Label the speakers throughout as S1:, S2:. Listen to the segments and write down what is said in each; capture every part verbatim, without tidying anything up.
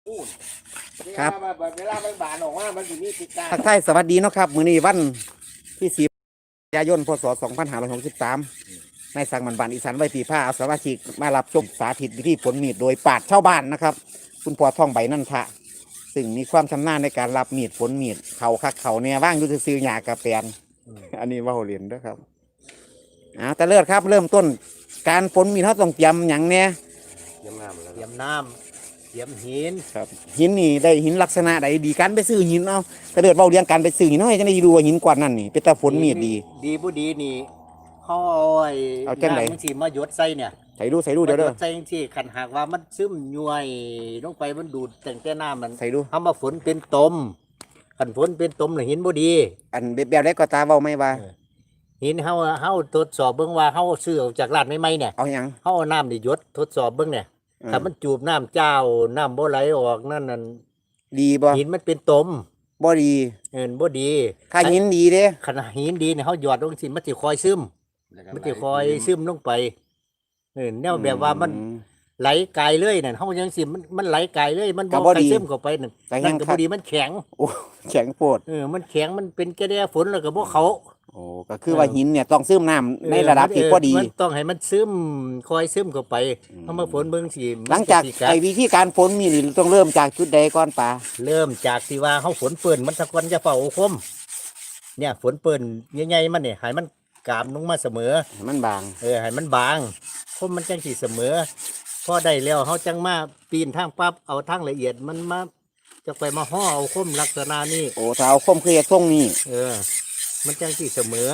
S1: ครับ
S2: เวลามันบานออกมามันอยู่นี่ติดตา
S1: ทักทายสวัสดีเนาะครับมื้อนี้วันที่สิบกันยายนพศสองพันห้าร้อยหกสิบสามในสังมันบานอีสานไว้ปีผ้าเอาสมาชิกมารับชมสาธิตวิธีผลมีดโดยปาดชาวบ้านนะครับ คุณพ่อท่องใบนั่นทะซึ่งมีความชำนาญในการรับมีดผลมีดเขาคักเขาเนี่ยว่างอยู่ซื้อหยากระแปนอันนี้ว่าโหเรียนด้วยครับอ่าแต่เลิศครับเริ่มต้นการผลมีดเขาต้องเตรียมอย่างเนี้ย
S2: เยี่ยมน้ำเยี่ยมน้ำเยี่ยมหิน
S1: ครับหินนี่ได้หินลักษณะใดดีการไปซื้อหินเอาแต่เดือดเบาเรียงการไปซื้อหินน้อยจะได้ดูว่าหินกว่านั่นนี่เป็นตาฝนมีดดี
S2: ดีผู้ดีนี่เขาเอาไอ้
S1: เอาจังไหน
S2: มันสีมาหยดใส่เนี่ย
S1: ใส่ดูใส่ดูเดี๋ยวเด้อ
S2: ใส่ที่ขันหากว่ามันซึมย่วยลงไปมันดูดแต่งแต่น้ำมัน
S1: ใส่ดู
S2: ทำมาฝนเป็นตมขันฝนเป็นตมหรือหินบ่ดี
S1: อันแบบแบบได้ก็ตาเบาไม่ว่า
S2: หินเฮาเฮาทดสอบเบิ่งว่าเฮาซื้อออกจากร้านใหม่ๆเนี่ย
S1: เอาหยัง
S2: เฮาเอาน้ำนี่หยดทดสอบเบิ่งเนี่ยถ้ามันจูบน้ำเจ้าน้ำบ่ไหลออกนั่นนั่น
S1: ดีบ่
S2: หินมันเป็นตม
S1: บ่ดี
S2: เอิ้นบ่ดี
S1: ถ้าหินดีเด้
S2: ขนาดหินดีเนี่ยเฮาหยอดลงสิมันสิคอยซึมมันสิคอยซึมลงไปเออแนวแบบว่ามันไหลไกลเลยนั่นเฮายังสิมันมันไหลไกลเลยมันบ่ไปซึมเข้าไปนั่นนั่นก็บ่ดีมันแข็ง
S1: โอ้แข็งโพด
S2: เออมันแข็งมันเป็นแค่แดฝนแล้วก็บ่เขา
S1: โอ้ก็คือว่าหินเนี่ยต้องซึมน้ำในระดับที่พอดี
S2: มันต้องให้มันซึมคอยซึมเข้าไปเฮามาฝนเบิ่งสิ
S1: หลังจากไอ้วิธีการฝนมีนี่ต้องเริ่มจากจุดใดก่อนป่า
S2: เริ่มจากที่ว่าเฮาฝนเปิ้นมันตะกอนจะเฝ้าคมเนี่ยฝนเปิ้นใหญ่ๆมันเนี่ยให้มันกามลงมาเสมอ
S1: ให้มันบาง
S2: เออให้มันบางคมมันจังสิเสมอพอได้แล้วเฮาจังมาปีนทางปั๊บเอาทางละเอียดมันมาจะไปมาห่อเอาคมลักษณะนี้
S1: โอ้ถ้าเอาคมคือทรงนี้
S2: เออมันจังสิเสมอ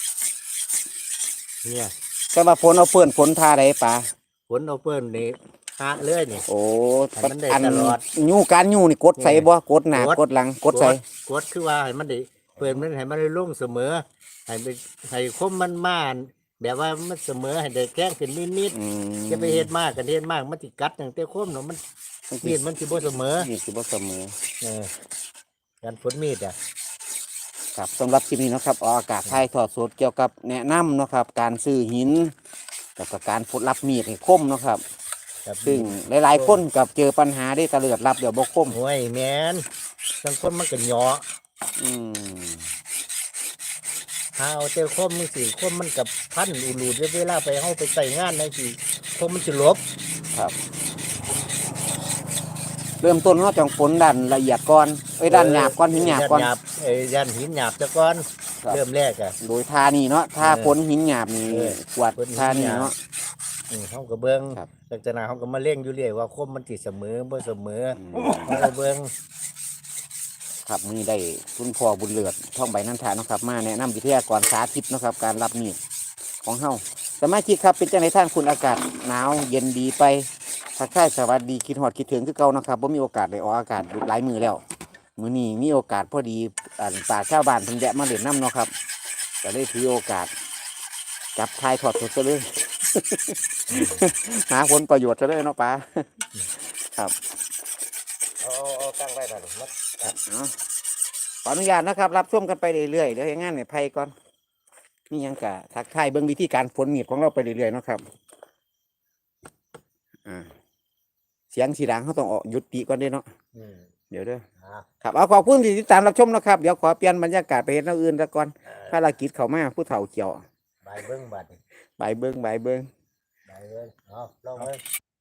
S2: เนี่ย
S1: แต่ว่าฝนเอาเปิ้นฝนทาได้ป่า
S2: ฝนเอาเปิ้นนี่หาเรื่อยนี่
S1: โอ้
S2: มันได้ตลอด
S1: ยู่การยู่นี่กดใส่บ่กดหน้ากดหลังกดใส่
S2: กดคือว่าให้มันได้เปิ้นมันให้มันได้ลงเสมอให้ไปให้คมมันมาแบบว่ามันเสมอให้ได้แข้งเป็นนิดๆจะไปเฮ็ดมากกันเฮ็ดมากมันสิกัดตั้งแต่คมเนาะมันมีดมันสิบ่เสมอ
S1: มีดสิบ่เสมอ
S2: เออการฝนมีดอ่ะ
S1: ครับสำหรับคลิปนี้นะครับออกอากาศถ่ายทอดสดเกี่ยวกับแนะนำนะครับการซื้อหินกับการฝดรับมีดให้คมนะครับซึ่งหลายๆคนกับเจอปัญหาได้ตะเลือดรับเดี๋ยวบกคม
S2: โอ้ยแมนบางคนมันก็หยอ
S1: อืม
S2: ถ้าเอาเจอคมมันสิคมมันกับพันอูรูดเวลาไปเข้าไปใส่งานในสิคมมันจะลบ
S1: ครับเริ่มต้นเราจังฝนดันละเอียดก่อนไอ้ดันหยาบก่อนหินหยาบก่อน
S2: ไอ้ดันหินหยาบจะก่อนเริ่มแรกอะ
S1: โดยทานี่เนาะทาฝนหินหยาบนี่กวาดทานี่เนาะ
S2: เขาก็เบิ้งลักษณะเขาก็มาเล่งอยู่เรื่อยว่าคมมันติดเสมอบ่เสมอเขาก็เบิ้ง
S1: ครับมือได้คุณพ่อบุญเลือดท่องใบนันทานะครับมาแนะนำวิทยากรสาธิตนะครับการรับมีดของเฮาสมาชิกครับเป็นจังไดท่านคุณอากาศหนาวเย็นดีไปทักทายสวัสดีคิดฮอดคิดถึงคือเก่านะครับว่ามีโอกาสได้ออกอากาศหลายมือแล้วมื้อนี้มีโอกาสพอดีอ่าป่าชาวบ้านเพิ่นแวะมาเล่นน้ำเนาะครับก็เลยถือโอกาสจับทายถอดสดซะเลยหาผลประโยชน์ซะเลยเนาะป้าครับ
S2: เอาเอาตั้งไว้หน่อยมั้
S1: ยขออนุญาตนะครับรับชมกันไปเรื่อยๆเดี๋ยวให้งานเนี่ยไพ่ก่อนนี่ยังกะทักทายเบื้องวิธีการฝนมีดของเราไปเรื่อยๆเนาะครับอ่าเสียงสีดังเขาต้องออกยุติก่อนด้วยเนาะเดี๋ยวเด้อครับเอาขอบคุณที่ติดตามรับชมนะครับเดี๋ยวขอเปลี่ยนบรรยากาศไปเห็นอื่นซะก่อนภารกิจเขามาผู้เฒ่าเกี่ยว
S2: ใบเบิ้งบัด
S1: ใบเบิ้งใบเบิ้ง
S2: ใบเบิ้งเอาลองเลย